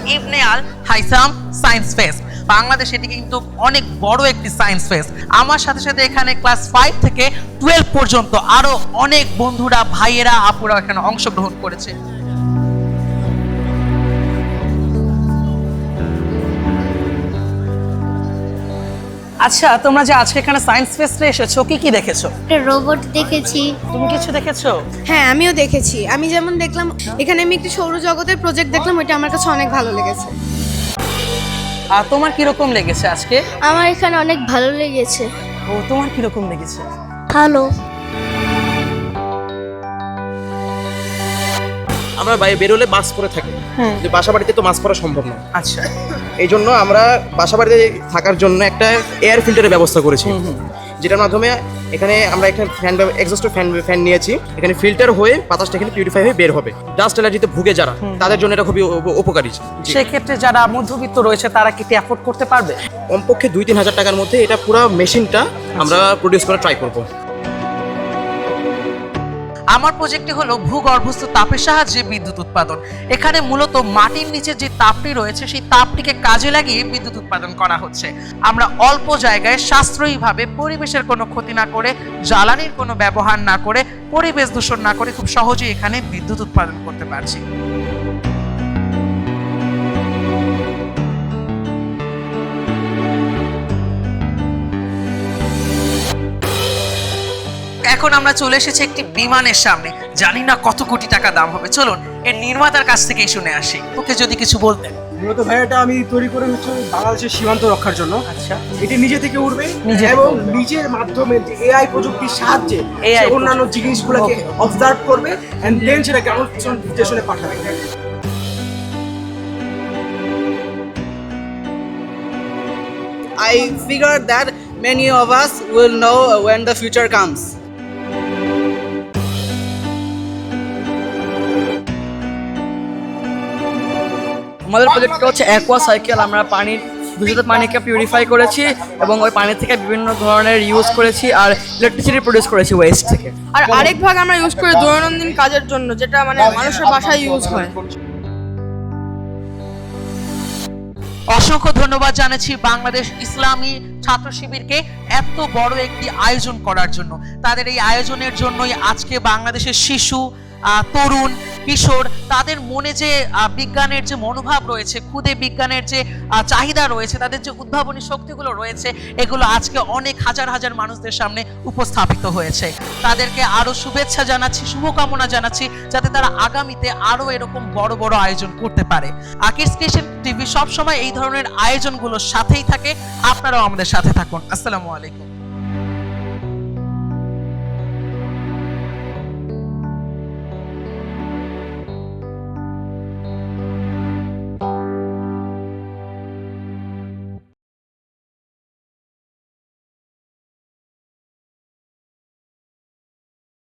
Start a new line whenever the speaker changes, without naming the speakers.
ইবনে al Haytham science fest. Bangladesh এটি কিন্তু অনেক বড় একটি সায়েন্স ফেস্ট। আমার সাথে সাথে এখানে ক্লাস 5 থেকে 12 পর্যন্ত আরো অনেক বন্ধুরা, ভাইয়েরা, আপুরা এখানে অংশগ্রহণ করেছে। আচ্ছা, তোমরা যে আজকে এখানে সায়েন্স ফেস্টে এসেছো, কি কি দেখেছো?
একটা রোবট দেখেছি।
তুমি কিছু দেখেছো?
হ্যাঁ, আমিও দেখেছি। আমি যেমন দেখলাম এখানে আমি একটি সৌরজগতের প্রজেক্ট দেখলাম, ওইটা আমার কাছে অনেক ভালো লেগেছে।
আর তোমার কিরকম লেগেছে আজকে?
আমার এখানে অনেক ভালো লেগেছে।
ও, তোমার কিরকম লেগেছে?
ভালো।
আমরা বাইরে বেরোলে মাস্ক পরে থাকি, যে বাসা বাড়িতে তো মাস্ক পরা সম্ভব না।
আচ্ছা,
এই জন্য আমরা বাসা বাড়িতে থাকার জন্য একটা এয়ার ফিল্টারের ব্যবস্থা করেছি, যেটার মাধ্যমে এখানে আমরা একটা এক্সস্ট ফ্যান নিয়েছি। এখানে ফিল্টার হয়ে বাতাসটা এখানে পিউরিফাই হয়ে বের হবে। ডাস্ট অ্যালার্জিতে ভুগে যারা, তাদের জন্য এটা খুবই উপকারী।
সেক্ষেত্রে যারা মধ্যবিত্ত রয়েছে তারা কি অ্যাফোর্ড করতে পারবে?
কমপক্ষে 2-3 হাজার টাকার মধ্যে এটা পুরো মেশিনটা আমরা প্রডিউস করা ট্রাই করবো।
আমার প্রজেক্টটি হলো ভূগর্ভস্থ তাপের সাহায্যে বিদ্যুৎ উৎপাদন। এখানে মূলত মাটির নিচে যে তাপটি রয়েছে সেই তাপটিকে কাজে লাগিয়ে বিদ্যুৎ উৎপাদন করা হচ্ছে। আমরা অল্প জায়গায় সাশ্রয়ীভাবে, পরিবেশের কোনো ক্ষতি না করে, জ্বালানির কোনো ব্যবহার না করে, পরিবেশ দূষণ না করে খুব সহজেই এখানে বিদ্যুৎ উৎপাদন করতে পারছি। এখন আমরা চলে এসেছি একটি বিমানের সামনে। জানি না কত কোটি টাকা দাম হবে। চলুন এর নির্মাতার কাছ থেকেই শুনে আসি। ওকে যদি কিছু বলতেন।
মূলত ভাই এটা আমি তৈরি করে হচ্ছে বাংলাদেশের সীমান্ত রক্ষার জন্য।
আচ্ছা,
এটি নিজে থেকে উঠবে
নিজে থেকে
এবং
উড়বে।
নিজের মাধ্যমে এআই প্রযুক্তির সাহায্যে
AI
সে অন্যান্য জিনিসগুলোকে অবজার্ভ করবে এন্ড দেন সেটা গ্রাউন্ড স্টেশনে পাঠাবে।
I figure that many of us will know when the future comes. আমাদের প্রজেক্টটা হচ্ছে অ্যাকোয়া সাইকেল। আমরা পানির দূষিত পানিকে পিউরিফাই করেছি এবং ওই পানি থেকে বিভিন্ন ধরনের ইউজ করেছি আর ইলেকট্রিসিটি প্রডিউস করেছি ওয়েস্ট থেকে।
আর আরেক ভাগ আমরা ইউজ করি দৈনন্দিন কাজের জন্য, যেটা মানে মানুষের বাসায় ইউজ হয়।
অসংখ্য ধন্যবাদ জানাচ্ছি বাংলাদেশ ইসলামী ছাত্র শিবিরকে এত বড় একটি আয়োজন করার জন্য। তাদের এই আয়োজনের জন্যই আজকে বাংলাদেশের শিশু, তরুণ, কিশোর, তাদের মনে যে বিজ্ঞানের যে মনোভাব রয়েছে, খুদে বিজ্ঞানের যে চাহিদা রয়েছে, তাদের যে উদ্ভাবনী শক্তিগুলো রয়েছে, এগুলো আজকে অনেক হাজার হাজার মানুষদের সামনে উপস্থাপিত হয়েছে। তাদেরকে আরো শুভেচ্ছা জানাচ্ছি, শুভকামনা জানাচ্ছি, যাতে তারা আগামীতে আরো এরকম বড় বড় আয়োজন করতে পারে। কিডস ক্রিয়েশন টিভি সবসময় এই ধরনের আয়োজনগুলোর সাথেই থাকে। আপনারাও আমাদের সাথে থাকুন। আসসালামু আলাইকুম।